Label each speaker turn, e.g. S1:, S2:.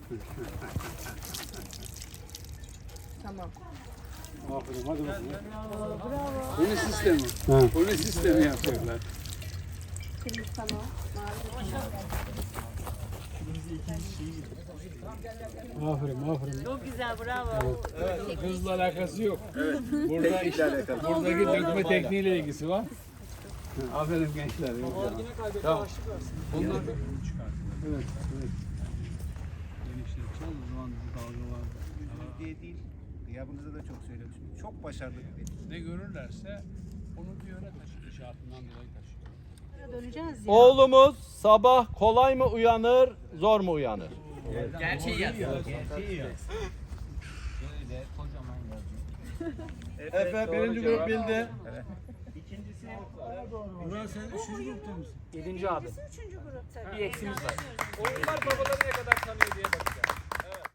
S1: Tamam.
S2: Aferin, hadi bakalım.
S1: Bravo.
S2: Koni sistemi. Koni sistemi yapacaklar.
S1: Kırmızı tamam. Mavi.
S2: Aferin.
S1: Çok güzel, bravo.
S2: Hızla alakası yok. Buradaki dökme tekniğiyle ilgisi var. Aferin gençler. Tamam. Bunlar evet. Genişler çal, o zaman bu dalga var.
S3: diye değil. Gıyabınızda da çok söylemiştim. Çok başarılı bir deniz.
S2: Ne görürlerse onu bir yöne taşır. İnşaatından dolayı taşıyor.
S1: Döneceğiz ya.
S4: Oğlumuz sabah kolay mı uyanır, zor mu uyanır?
S5: Gerçeği yazıyor.
S4: Efe birinci grup bildi.
S2: Burak sen 3. grupta mısın?
S5: 7. abi.
S1: Üçüncü grup tabii.
S5: Bir eksimiz var.
S4: Oyunlar babaları ne kadar tanıyor